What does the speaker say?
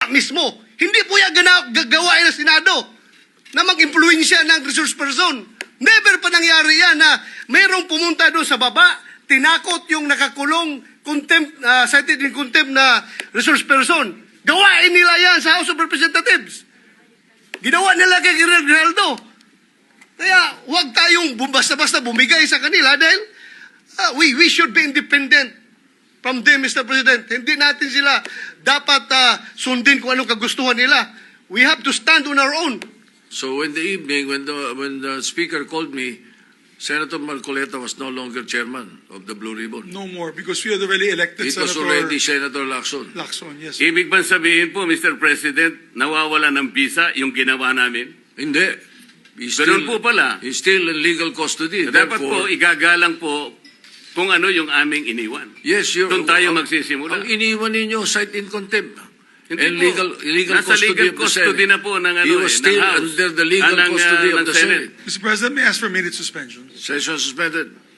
mismo. Hindi po yan gawain ng Senado na mag-impluensya ng resource person. Never pa nangyari yan na mayroong pumunta doon sa baba, tinakot yung nakakulong, cited in contempt na resource person. Gawain nila yan sa House of Representatives. Ginawa nila kay Rinaldo. Kaya huwag tayong basta-basta bumigay sa kanila dahil we should be independent from them, Mr. President. Hindi natin sila dapat sundin kung anong kagustuhan nila. We have to stand on our own. So in the evening, when the speaker called me, Senator Marcoleta was no longer chairman of the Blue Ribbon. No more, because we had already elected It was Senator already Senator Lacson. Lacson, yes. Ibig bang sabihin po, Mr. President, nawawala ng visa yung ginawa namin? Hindi. Ganun po pala. He's still in legal custody. Dapat po, Therefore, igagalang po kung ano yung aming iniwan. yes, Doon tayo magsisimula. Ang iniwan ninyo, cite in contempt. Hindi And po. legal Nasa custody legal of the custody Senate. na po ng, He was ng still House. under the legal ng custody of ng the Senate. Senate. Mr. President, may I ask for a minute suspension? Session suspended.